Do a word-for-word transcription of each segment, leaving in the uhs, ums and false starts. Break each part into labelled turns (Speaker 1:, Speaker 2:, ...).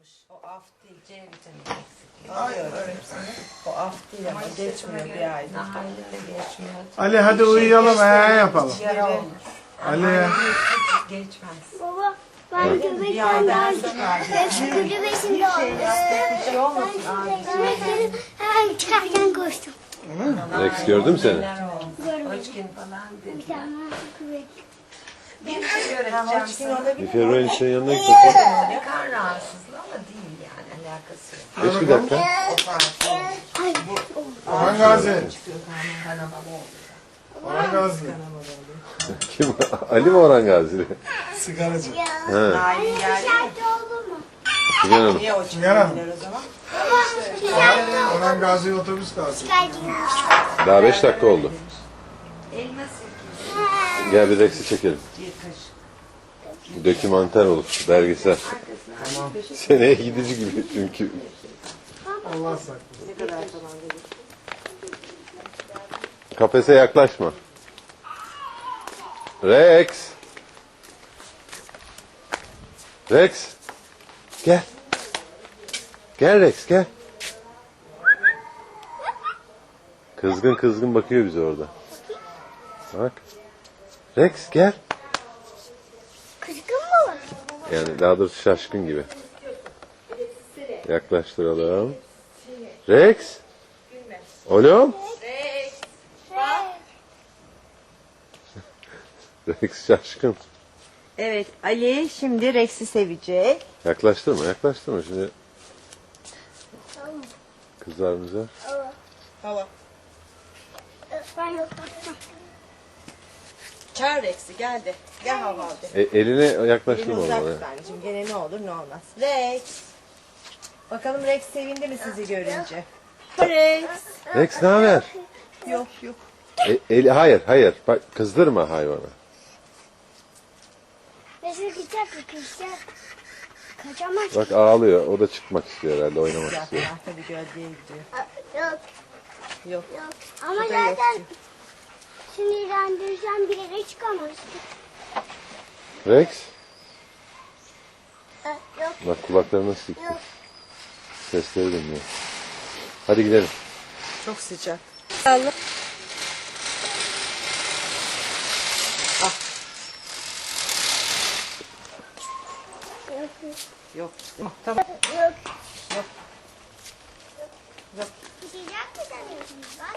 Speaker 1: olmuş. O af değil, C vitamini eksikliği.
Speaker 2: Hayır,
Speaker 1: Biliyorum. O af değil ama geçmiyor bir ayda.
Speaker 3: Nahalinde geçmiyor.
Speaker 2: Ali hadi uyuyalım, ee yapalım.
Speaker 1: Yara olmuş.
Speaker 2: Ali.
Speaker 3: Hiç geçmez.
Speaker 4: Baba ben
Speaker 1: Bir
Speaker 4: göbekten
Speaker 1: aydan
Speaker 4: daha
Speaker 1: sonra
Speaker 4: kulübesinde oldum.
Speaker 1: bir şey olmasın.
Speaker 4: Ben hemen çıkarken koştum.
Speaker 5: Rex gördüm seni.
Speaker 3: Hoşgin falan
Speaker 4: Bir
Speaker 3: dedi.
Speaker 4: tane göbek.
Speaker 3: Bir şey öğreteceğim
Speaker 1: Hoşkin
Speaker 3: sana.
Speaker 1: olabilir.
Speaker 5: Bir Ferro'nun senin yanına gittim.
Speaker 3: Bir kan rahatsızlığı ama değil yani alakası yok.
Speaker 5: Geç bir dakika.
Speaker 4: Ay.
Speaker 2: Orhan Gazi.
Speaker 1: Kanama oldu.
Speaker 2: Orhan Gazi.
Speaker 5: Kim? Ali mi Orhan Gazi?
Speaker 2: Sigaracı.
Speaker 5: He.
Speaker 1: Nail'in geldi mi?
Speaker 4: Şart oldu mu?
Speaker 5: Figen Hanım.
Speaker 1: Niye o
Speaker 2: Yaram.
Speaker 1: çıkıyorlar o zaman?
Speaker 2: Orhan Gazi otobüs kalsın.
Speaker 5: Daha beş dakika oldu.
Speaker 3: Elma sirkesi.
Speaker 5: Gel bir Rex'i çekelim.
Speaker 1: Bir kaşık.
Speaker 5: Dokümanter olur, belgesel. Seneye gidici gibi çünkü.
Speaker 2: Allah saklasın.
Speaker 1: Ne kadar falan dedi.
Speaker 5: Kafese yaklaşma. Rex. Rex. Gel. Gel Rex gel. Kızgın kızgın bakıyor bize orada. Bak. Rex gel.
Speaker 4: Kızgın mı var?
Speaker 5: Yani daha doğrusu şaşkın gibi. Yaklaştıralım. Rex. Oğlum. Rex şaşkın.
Speaker 1: Evet, Ali şimdi Rex'i sevecek.
Speaker 5: Yaklaştırma, yaklaştırma şimdi. Kızlarımıza.
Speaker 1: Hava.
Speaker 4: Ben yok.
Speaker 1: Çağır Rex'i, geldi. Gel hava abi.
Speaker 5: E, eline
Speaker 1: Elini
Speaker 5: yaklaştırma
Speaker 1: uzak
Speaker 5: onu.
Speaker 1: tut anneciğim. Gene ne olur ne olmaz. Rex. Bakalım Rex sevindi mi sizi görünce? Rex.
Speaker 5: Rex ne haber?
Speaker 1: Yok yok.
Speaker 5: E, eli, hayır, hayır. Bak kızdırma hayvanı.
Speaker 4: Mesela gidecek kızacak. Kaçamaz.
Speaker 5: Bak ağlıyor. O da çıkmak istiyor herhalde, oynamak
Speaker 1: Sıcak
Speaker 5: istiyor.
Speaker 1: ya. Tabii gölgeye gidiyor.
Speaker 4: Yok
Speaker 1: Yok.
Speaker 4: yok. Ama
Speaker 1: Bu da yok
Speaker 4: zaten
Speaker 1: ki.
Speaker 4: sinirlendirirsen bir yere çıkamaz.
Speaker 5: Rex.
Speaker 4: Yok
Speaker 5: Bak kulaklarını nasıl sıktı.
Speaker 4: yok.
Speaker 5: Sesleri dinliyor. Hadi gidelim.
Speaker 1: Çok sıcak. Allah.
Speaker 4: Yok
Speaker 1: Yok. Yok. Tamam.
Speaker 4: yok.
Speaker 1: Yok. Yok.
Speaker 4: Sıcak mı sanıyorsunuz lan?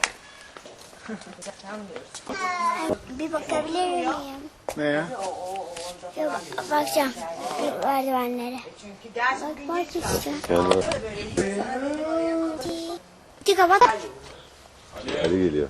Speaker 1: Sanmıyoruz.
Speaker 4: Bir bakabilir miyim?
Speaker 2: Ne ya?
Speaker 4: Yok bakacağım. Merdivenlere.
Speaker 1: Çünkü ders
Speaker 4: Bak bak işte.
Speaker 5: Kendine.
Speaker 4: Bir kapat.
Speaker 5: Ali geliyor.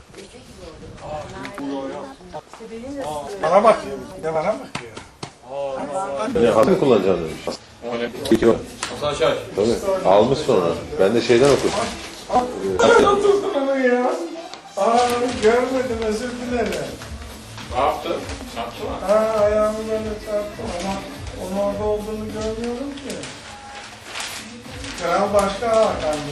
Speaker 2: Bana bakıyor. Bir de bana bakıyor.
Speaker 5: Ne hakkı kullanacaksın demiş. İki bak. Tabii. Almış sonra. Ben de şeyden okudum.
Speaker 2: Tutun onu ya. Aa görmedim, özür dilerim.
Speaker 6: Ne yaptın? Çarptı mı?
Speaker 2: Ha ayağımı böyle çarptım ama onun orada olduğunu görmüyorum ki. Kral başka Hakan.